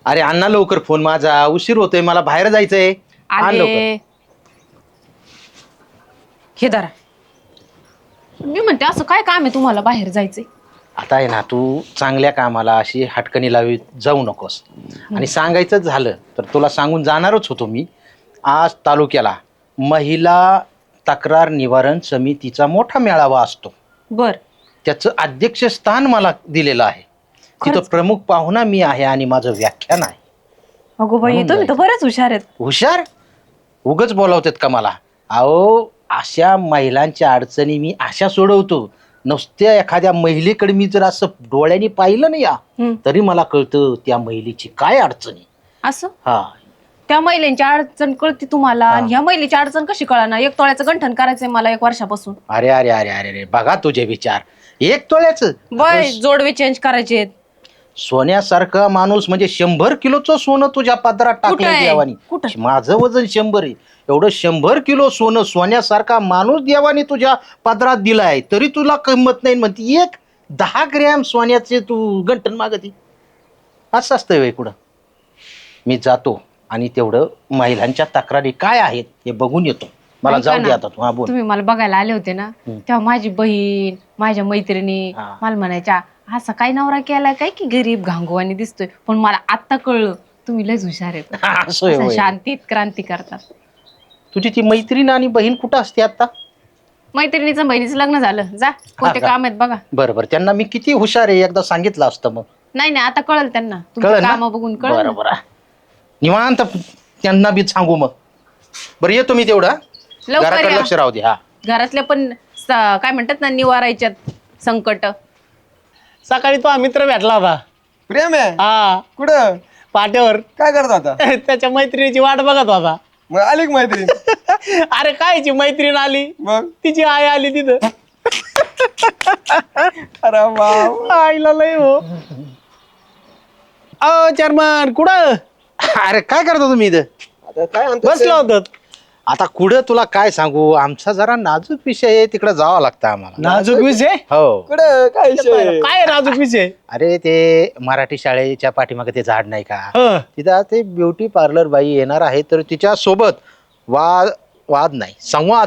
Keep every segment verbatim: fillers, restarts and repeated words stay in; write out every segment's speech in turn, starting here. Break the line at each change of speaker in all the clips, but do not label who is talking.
अरे अण्णा लवकर फोन माझा उशीर होतोय मला बाहेर जायचंय. आण लवकर.
आले हे धरा. मी म्हणते असं काय काम आहे तुम्हाला बाहेर जायचंय?
आता आहे ना तू चांगल्या कामाला अशी हटकणी लावी जाऊ नकोस. आणि सांगायचं झालं तर तुला सांगून जाणारच होतो मी. आज तालुक्याला महिला तक्रार निवारण समितीचा मोठा मेळावा असतो.
बर.
त्याचं अध्यक्षस्थान मला दिलेलं आहे. तिथं
खरंच?
प्रमुख पाहुणा मी आहे आणि माझं व्याख्यान आहे.
अगो बाई
म्हणून
तुम्ही तर बरेच हुशार आहेत.
हुशार उगच बोलावतात का मला? अहो अशा महिलांच्या अडचणी मी अशा सोडवतो. नुसत्या एखाद्या महिलेकडे मी जर असं डोळ्यांनी पाहिलं नाही या
हम्म.
तरी मला कळतं त्या महिलेची काय अडचणी.
असं
हा
त्या महिलांची अडचण कळती तुम्हाला
हा.
आणि ह्या महिलेची अडचण कशी कळणार? एक तोळ्याचं गंठण करायचंय मला एक वर्षापासून.
अरे अरे अरे अरे अरे बघा तुझे विचार. एक तोळ्याचं
बर जोडवे चेंज करायचे.
सोन्यासारखा माणूस म्हणजे शंभर किलोचं सोनं तुझ्या पात्रात
कुठं
टाकलं
आहे?
देवानी.
कुठं?
माझं वजन शंभर आहे. एवढं शंभर किलो सोनं सोन्यासारखा माणूस देवानी तुझ्या पात्रात दिलाय तरी तुला किंमत नाही म्हणते. एक दहा ग्रॅम सोन्याचे तू गंठन मागती. असं असतं वे कुठं. मी जातो आणि तेवढं महिलांच्या तक्रारी काय आहेत हे बघून येतो. मला
ऐका
जाऊ दे
ना,
आता तू. हा बोल.
तुम्ही मला बघायला आले होते ना
हम्म.
तेव्हा माझी बहीण माझ्या मैत्रिणी
हा.
मला म्हणायच्या असा काय नवरा केलाय काय की गरीब घांगवानी दिसतोय. पण मला आता कळलं तुम्ही लयच हुशार आहेत.
असं आहे
असं
होय.
शांतीत क्रांती करतात.
तुझी ती मैत्रीण आणि बहीण कुठं असते आता?
मैत्रिणीचं बहिणीचं लग्न झालं. जा कोणते
का?
काम आहेत बघा.
बरं बरं त्यांना मी किती हुशार आहे एकदा सांगितलं असतं मग.
नाही नाही आता कळलं त्यांना.
कळलं
तुमची
ना?
काम बघून कळलं
बरं
ना.
बरं निवांत त्यांना बी सांगू मग. बरं येतो मी तेवढा.
लवकर
घराकडे
या.
लक्ष राहू दे. हा
घरातल्या पण स- काय म्हणतात ना निवारायच्यात संकट.
सकाळी तो हा मित्र भेटला होता.
प्रेम आहे
हा
कुठं
पाट्यावर.
काय करत होता?
त्याच्या मैत्रिणीची वाट बघत होता.
मग आली का मैत्रीण?
अरे कायची मैत्रीण आली?
मग
तिची आई आली तिथं.
अरे बाप
आईला लय हो. अ चेअरमन कुठं
अरे काय करता तुम्ही इथं?
आता काय म्हणतो
बसलो होतो?
आता कुठं तुला काय सांगू आमचा जरा नाजूक विषय आहे तिकडे जावं लागतं आम्हाला.
नाजूक विषय?
हो.
कुठं काय विषय?
काय नाजूक विषय?
अरे ते मराठी शाळेच्या पाठीमागे ते झाड नाही का
हं.
तिथं आज ते ब्युटी पार्लर बाई येणार आहे तर तिच्या सोबत वाद वाद नाही संवाद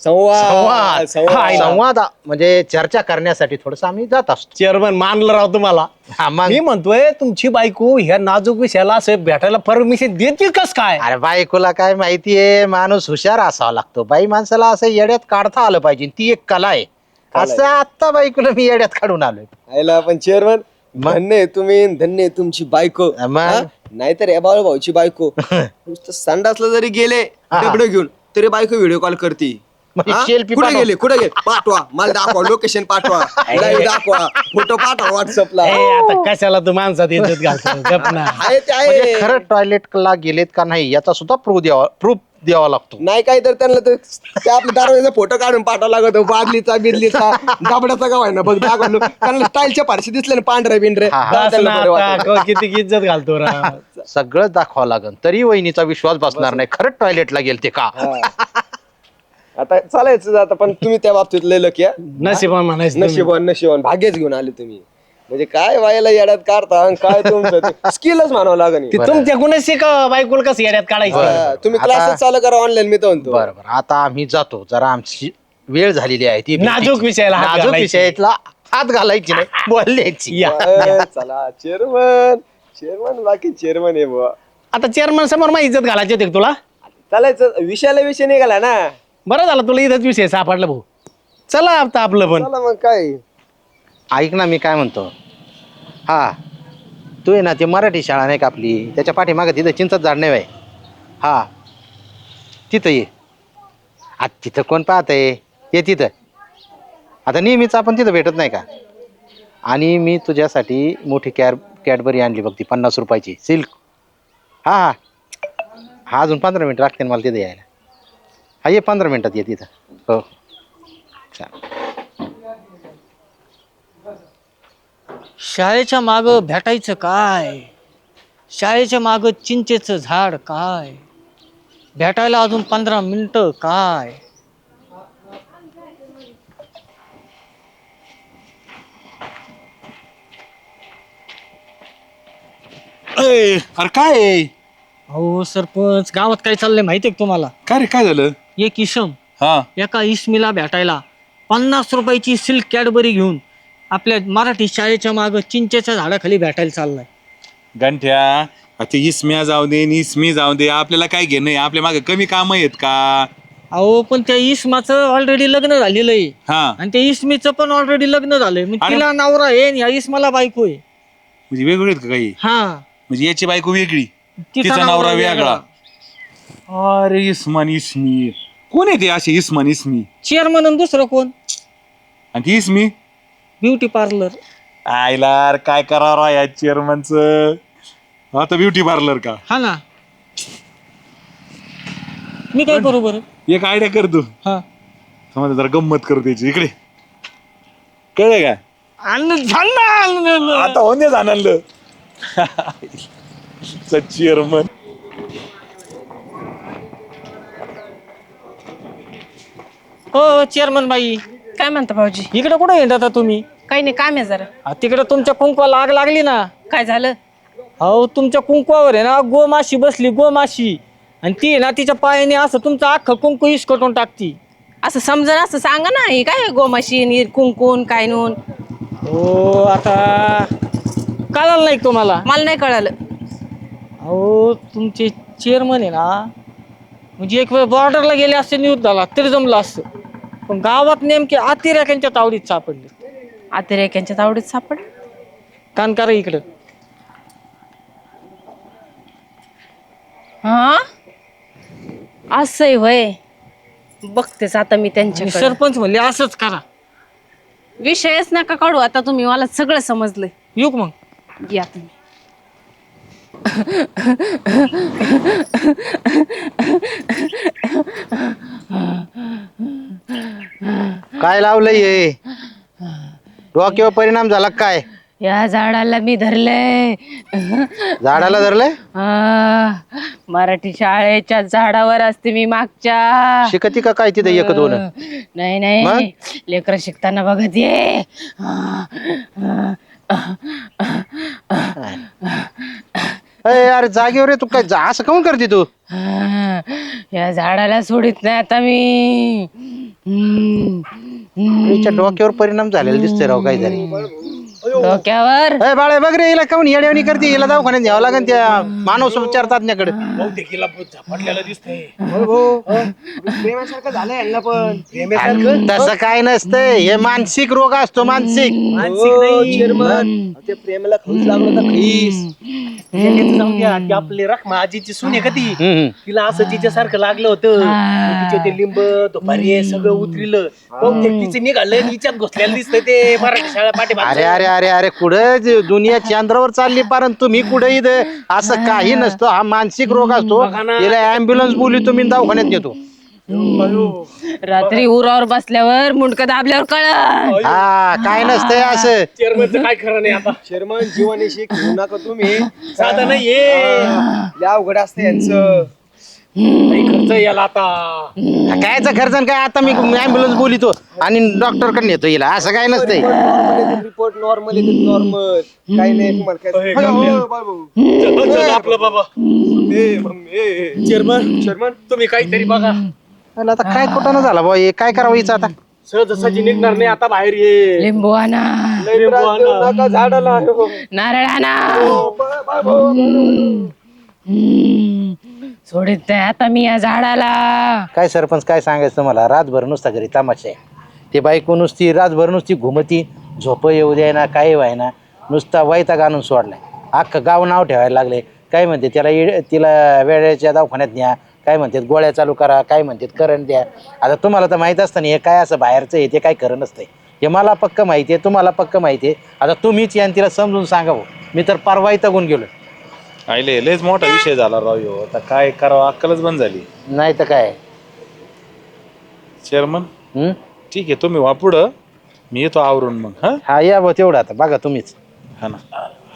संवाद
संवाद संवाद म्हणजे चर्चा करण्यासाठी थोडस आम्ही जात असतो.
चेअरमन मानलं राव तुम्हाला.
हा, मग
मी म्हणतोय तुमची बायको ह्या नाजूक विषयाला असं भेटायला परमिशन देतील कस काय?
अरे बायकोला काय माहितीये माणूस हुशार असावा लागतो. बाई माणसाला असं येड्यात काढता आलं पाहिजे ती एक कला आहे. असं आत्ता बायकोला मी येड्यात काढून आलोय.
आयला पण चेअरमन धन्य आहे तुम्ही धन्य आहे तुमची बायको.
मग?
हा? नाहीतर या बाळू भाऊची बायको नुसतं संडासला जरी गेले
हा.
डबडं घेऊन तरी बायको व्हिडिओ कॉल करते.
म्हणजे
हा?
selfie
कुठे
पाठव.
गेले कुठे गेले पाठवा मला दाखवा लोकेशन पाठवा live दाखवा फोटो पाठवा व्हॉट्सअपला.
ए, आता कशाला तू माणसात इज्जत घालतो? गप ना.
आहे ते
म्हणजे
आहे
खरं टॉयलेटला गेलेत का नाही याचा सुद्धा प्रूफ द्यावा प्रूफ द्यावा लागतो.
नाही काय तर त्यांना तर ते आपल्या दरवाजा फोटो काढून पाठवा लागतो बादलीचा बिदलीचा दाबड्याचा गाव आहे ना बघ दाखवलो त्यांना स्टाईलच्या फारशी दिसले ना पांढरे बिंढरे
हा, हा.
तेव्हा
बस
त्यांना
ना
बरं
आता,
वाटलं.
क- किती इज्जत घालतो राव.
सगळं दाखवावं लागेल तरी वहिनीचा विश्वास बसणार नाही खरंच टॉयलेटला गेलते का.
हा. आता चालायचं आता पण तुम्ही त्या बाबतीत लय लकी आहे.
नशिबान म्हणायचं तुम्ही.
नशिबान नशिबान भाग्यच घेऊन आले तुम्ही. म्हणजे काय व्हायला येड्यात काढता आणि काय तुमचं स्किलच म्हणावं लागेल.
ती तुमच्या कुणाच शिका बायकोल कसं येड्यात काढायचं.
हा, तुम्ही
आता-
क्लासेस चालू करा ऑनलाईन मी तर म्हणतो.
बरं बरं आता आम्ही जातो जरा आमची वेळ झालेली आहे ती
नाजूक विषयाला हात
नाजूक
घालायची.
विषयातला हात घालायची नाही बोलण्याची.
या
अं, चला चेअरमन चेअरमन बाकी चेअरमन आहे बुवा.
आता चेअरमन समोर मग इज्जत घालायची होती का तुला?
चालायचं विषयाला विषय निघाला ना.
बरं झालं तुला इथंच विषय सापडला भाऊ. चला आता आपलं पण.
चला मग काय
ऐक ना मी काय म्हणतो. हा तू आहे ना ते मराठी शाळा नाही का आपली त्याच्या पाठीमागे तिथं चिंचच झाड नाही बाई. हा तिथं ये. आता तिथं कोण पाहत आहे ये तिथं. आता नेहमीच आपण तिथं भेटत नाही का. आणि मी तुझ्यासाठी मोठी कॅर कॅडबरी आणली बघ ती पन्नास रुपयाची सिल्क. हा हा हा अजून पंधरा मिनिट लागते मला तिथं यायला. हा ये पंधरा मिनिटात ये तिथं. हो चालेल.
शाळेच्या मागं भेटायचं काय? शाळेच्या मागं चिंचेचं झाड काय? भेटायला अजून पंधरा मिनिटं काय?
अय, अरे काय आहे?
अहो सरपंच गावात काय चाललंय माहितीये का तुम्हाला?
काय रे काय झालं?
एक इसम
हा
एका इसमीला भेटायला पन्नास रुपयाची सिल्क कॅडबरी घेऊन आपल्या मराठी शाळेच्या माग चिंचेच्या झाडाखाली भेटायला चाललाय.
गंठ्या आता इसम्या जाऊ दे नि इसमी जाऊ दे, आपल्याला काय घेणं आहे? आपल्या मागे कमी काम आहेत का?
अहो पण त्या इसमाचं ऑलरेडी लग्न झालेलं आहे
हा
आणि त्या इसमीचं पण ऑलरेडी लग्न झालंय. मग
अरे.
तिला नवरा आहे आणि या इसमाला बायको आहे.
म्हणजे वेगवेगळे आहेत का काही?
हा
म्हणजे याची बायको वेगळी,
तिचा
तिचा
नवरा
नवरा
वेगळा.
वेगळा. अरे इस्मान इसमी कोण आहे ते असे इस्मान इसमी?
चेअरमन आणि दुसरं कोण?
आणि ती इसमी
ब्युटी पार्लर.
आयला काय करावं या चेअरमनच आता ब्युटी पार्लर का?
हा ना. मी काय करू बरं?
एक आयडिया कर तू.
हा
समजा जरा गंमत करू त्याची. इकडे कळलं का?
आणि झालं.
आता होणे जाणलं चेअरमन.
हो चेअरमन बाई,
काय म्हणता भाऊजी?
इकडे कुठे येत आता तुम्ही?
काही नाही, काम आहे जरा.
आ, तिकडे तुमच्या कुंकवाला आग लागली ना.
काय झालं?
अहो तुमच्या कुंकवावर आहे ना गोमाशी बसली, गोमाशी. आणि ती आहे ना तिच्या पायाने असं तुमचं अख्खं कुंकू इसकटून टाकती.
असं समजा असं सांगा ना, हे काय गोमाशी कुंकून काय नून?
हो आता कळालं नाही का तुम्हाला?
मला नाही कळालं.
अहो तुमचे चेअरमन आहे ना, म्हणजे एक वेळ बॉर्डरला गेले असते युद्धाला तरी जमलं असतं, पण गावात नेमके अतिरेक्यांच्या तावडीत सापडले.
अतिरेक्यांच्या तावडीत सापड?
कान करा इकडं.
हा असंय होय. बघतेच आता मी त्यांच्या.
सरपंच म्हणले असंच करा.
विषयच नका काढू आता तुम्ही, मला सगळं समजलंय.
येऊ का मग?
या तुम्ही.
काय लावलंय हे? डोक्यावर परिणाम झाला का काय?
या झाडाला मी धरलंय.
झाडाला धरलंय?
आ, मराठी शाळेच्या झाडावर असते मी मागच्या.
शिकती का काय तिथे एक दोन?
नाही नाही, लेकर शिकताना बघत ये.
अरे अरे जागेवर आहे तू, काय जा- असं काऊन करते तू?
या झाडाला सोडित नाही आता मी. हम्म, हम्म.
तिच्या डोक्यावर परिणाम झालेला दिसतोय राव काहीतरी.
डोक्यावर
अरे बाळे बघ रे, हिला काऊन येड्यावणी करते? हिला दवाखान्यात घ्यावं लागेल त्या मानव उपचार तज्ञाकडे.
प्रेमासारखं झालंय यांना पण. प्रेमासारखं
तसं काय नसतंय, हे मानसिक रोग असतो, मानसिक.
चेअरमन ते प्रेमाला खैस लागलो होता, खैस.
त्याचं जाऊन द्या, ती आपली रखमा आजीची सून आहे का ती?
हम्म.
तिला असं तिच्यासारखं लागलं होतं. मग तिचे ते लिंब दुपारी सगळं उतरिलं. बहुतेक तिचे निघालं आणि हिच्यात घुसलेलं दिसतंय ते मराठी शाळा पाठी.
अरे अरे अरे अरे कुठं जे दुनिया चंद्रावर चालली, परंतु तुम्ही कुठे इथं? असं काही नसतं, हा मानसिक रोग असतो. तिला अँब्युलन्स बोलली तुम्ही दवाखान्यात नेतो.
रात्री उरावर बसल्यावर मुंडकं दाबल्यावर कळ.
हा काय नसतंय असं.
चेअरमनचं काय खरं नाही आता.
चेअरमन जीवनाशी घेऊ नका तुम्ही.
साधं नाहीये.
लय अवघड असतं यांचं.
काही खर्च याला आता.
कायचा खर्च आणि काय? आता मी अँब्युलन्स बोलितो आणि डॉक्टर कडे नेतो हिला, असं काय नसतंय.
रिपोर्ट नॉर्मल येते, नॉर्मल. काही नाही तुम्हाला काय. हो, बाबू.
चल आपलं बाबा.
ए, मग, ए, ए.
चेअरमन
चेअरमन
तुम्ही काहीतरी बघा.
अरे आता काय कुठं झाला बा, हे काय करावं हिचं आता?
सहजासहजी निघणार नाही आता बाहेर ये.
लिंबू आणा,
लय त्रास देऊ नका झाडाला. हो.
नारळ आणा.
बा- बाबू.
हम्म. सोडित नाही आता मी या झाडाला.
काय सरपंच काय सांगायचं तुम्हाला? रातभर नुसता घरी तमाशा आहे. ते बायको नुसती रातभर नुसती घुमती, झोप येऊ द्याय ना, काही व्हायना, नुसता वैताग आणून सोडलाय. अख्खं गाव नाव ठेवायला लागले. काय म्हणते त्याला इड- तिला वेळेच्या दवाखान्यात न्या, काय म्हणतात गोळ्या चालू करा, काय म्हणतात करंट द्या. आता तुम्हाला तर माहित असतं ना हे काय असं बाहेरचं आहे, ते काय खरं नसतंय. हे मला पक्क माहिती आहे, तुम्हाला पक्क माहिती आहे. आता तुम्हीच या तिला समजून सांगावं. मी तर परवा इथं गेलो.
आयले लयच मोठा विषय झाला राव ह्यो. आता काय करावं, अक्कलच बंद झाली.
नाही तर काय.
चेअरमन
हम्म?
ठीक आहे, तुम्ही वा पुढं, मी येतो आवरून मग. हा
हा या बा तेवढं आता बघा तुम्हीच.
हा ना.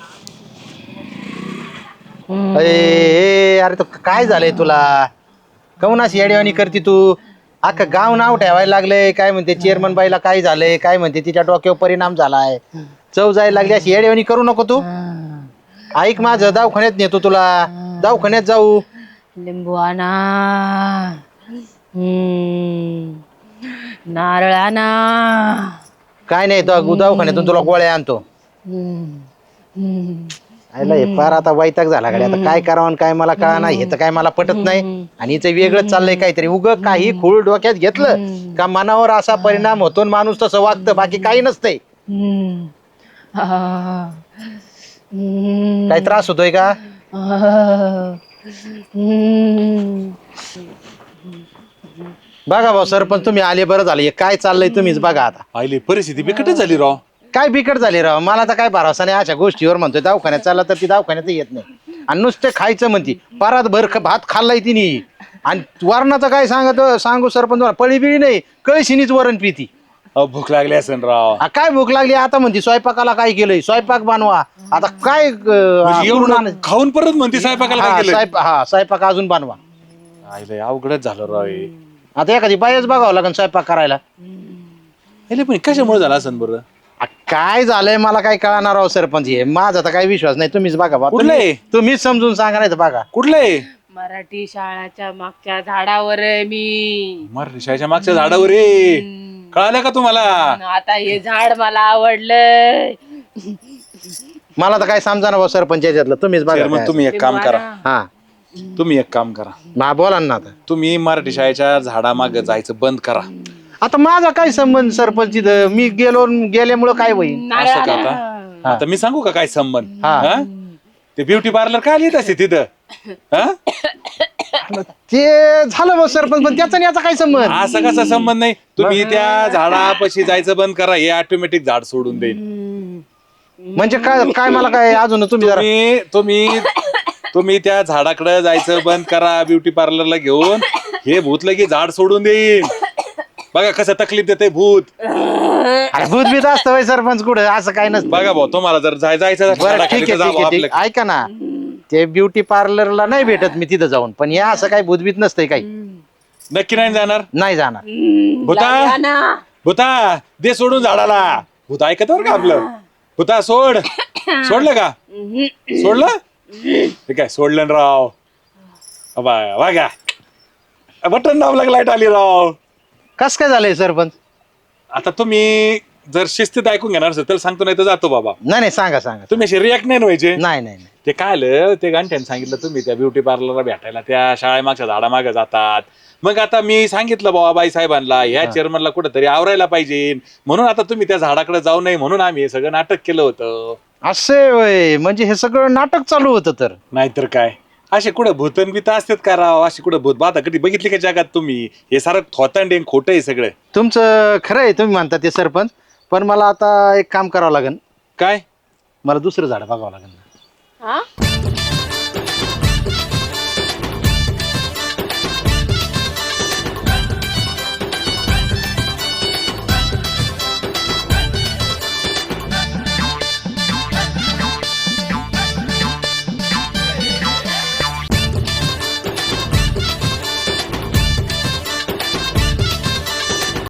अरे ए, अरे तो काय झालंय तुला? काऊन अशी येड्यावानी करते तू? अख्खं गाव नाव ठेवायला लागलंय. काय म्हणते चेअरमन बाईला काय झालंय, काय म्हणते तिच्या डोक्यावर परिणाम झालाय, चव जायला लागली. अशी येड्यावानी करू नको तू. ऐक माझं, दवाखान्यात नेतो तुला, दवाखान्यात जाऊ.
लिंबू आणा, हम्म, नारळ आणा,
काय नाही, दवा- दवाखान्यातून तुला गोळ्या आणतो.
हम्म, हम्म.
आयला हे फार आता वैताग झाला गाडी. आता काय करावं आणि काय मला कळा नाही, हे तर काय मला पटत नाही. आणि हिचं वेगळंच चाललंय काहीतरी. उग काही खूळ डोक्यात घेतलं का मनावर असा परिणाम होतो आणि माणूस तसं वागतं, बाकी काही नसतंय.
हम्म. आ, हम्म.
काही त्रास होतोय का?
आ, हम्म.
बघा भाऊ सरपंच, तुम्ही आले बरं झालं. हे काय चाललंय तुम्हीच बघा आता.
आईले परिस्थिती बिकटच झाली राव.
काय बिकट झाली राव, मला तर काय भरोसा नाही अशा गोष्टीवर. म्हणतोय दवाखान्यात चालला तर ती दवाखान्यात येत नाही आणि नुसते खायचं म्हणती. परात भर ख- भात खाल्लाय तिने. आणि वरणाचं काय सांगत सांगू सरपंच, पळी बिळी नाही, कळशीनीच वरण पिती.
अहो, भूक लागली असेल राव.
आ, काय भूक लागली आता म्हणती, स्वयंपाकाला काय केलंय, स्वयंपाक बनवा. आता काय अं,
म्हणजे
करून
एवढं
आण-
खाऊन परत म्हणते स्वयंपाकाला
हा,
काय केलं.
स्वयंपा- हा स्वयंपाक अजून बनवा.
आईले अवघडच झालं राव हे.
आता एखादी बायच बघावं लागेल स्वयंपाक करायला.
आईले पण कशामुळे झालं असेल बरं.
आ, काय झालंय मला काय कळणार राव सरपंच. हे माझा तर काही विश्वास नाही, तुम्हीच बघा बा.
कुठलंय?
तुम्ही- तुम्हीच समजून सांगा नाही तर बघा.
कुठलंय?
मराठी शाळाच्या मागच्या झाडावर आहे मी.
मराठी शाळेच्या मागच्या झाडावर रे. कळालं का तुम्हाला?
आता हे झाड मला आवडलंय.
मला तर काय समजा ना भाऊ सरपंच याच्यातलं, तुम्हीच बघा
चेअरमन,
काय.
तुम्ही एक काम करा.
हा
तुम्ही एक काम करा.
मा बोला ना आता.
तुम्ही मराठी शाळेच्या झाडामागे जायचं बंद करा.
आता माझा काय संबंध सरपंच तिथं? मी गेलो गेल्यामुळं काय होईल?
असं का आता? आता मी सांगू का काय संबंध?
हा.
हा? ते ब्युटी पार्लर काय लिहित असते तिथं? हा?
ते झालं भाऊ सरपंच, पण त्याचा आणि याचा काय संबंध?
असं कसा संबंध नाही. तुम्ही त्या झाडापाशी जायचं बंद करा. हे ऑटोमॅटिक झाड सोडून देईल.
म्हणजे काय काय मला काय अजून तुम्ही जरा
तुम्ही तुम्ही तुम्ही त्या झाडाकडे जायचं बंद करा ब्युटी पार्लरला घेऊन. हे भूत लगे झाड सोडून देईल. बघा कसं तकलीफ देते भूत.
अरे भूत बीत असतं होय सरपंच कुठं? असं काय नसतं.
बघा भाऊ, तुम्हाला जर जाय- जायचं
बरं
झाडाखाली
ठीक
तर
आहे
जा
ठीक
भाऊ
आहे ठीक
आपलं.
आहे. ऐका ना, ते ब्युटी पार्लरला नाही भेटत मी तिथं जाऊन, पण या असं काही भूतबीत नसतंय काही.
नक्की नाही जाणार?
नाही जाणार.
भूता भूता दे सोडून झाडाला. भूत ऐकत बरं का आपलं. भूता सोड. सोडलं का? सोडलं? ठीक आहे, सोडलं ना राव. अबा, बघा बटन दाबलं की लाईट आली राव.
कस काय झालंय सरपंच?
आता तुम्ही जर शिस्तीत ऐकून घेणार असेल तर सांगतो, नाही तर जातो बाबा.
नाही नाही सांगा सांगा.
तुम्ही असे रिॲक्ट नाही व्हायचे.
नाही नाही नाही.
ते काय आलं, ते गांठ्याने सांगितलं तुम्ही त्या ब्युटी पार्लरला भेटायला त्या शाळेमागच्या झाडामागे जातात. मग आता मी सांगितलं बाबा बाई साहेबांना, ह्या चेअरमनला कुठंतरी आवरायला पाहिजे, म्हणून आता तुम्ही त्या झाडाकडे जाऊ नये म्हणून आम्ही हे सगळं नाटक केलं होतं.
असे होय, म्हणजे हे सगळं नाटक चालू होतं तर.
नाहीतर काय, असे कुठं भूतन बित असतात का राव? अशी कुठं भूत बाधा कधी बघितली का जगात तुम्ही? हे सारं थोतांड खोटं आहे सगळं.
तुमचं खरं आहे, तुम्ही म्हणता ते सरपंच, पण मला आता एक काम करावं लागेल.
काय?
मला दुसरं झाड बघावं लागेल.
हा?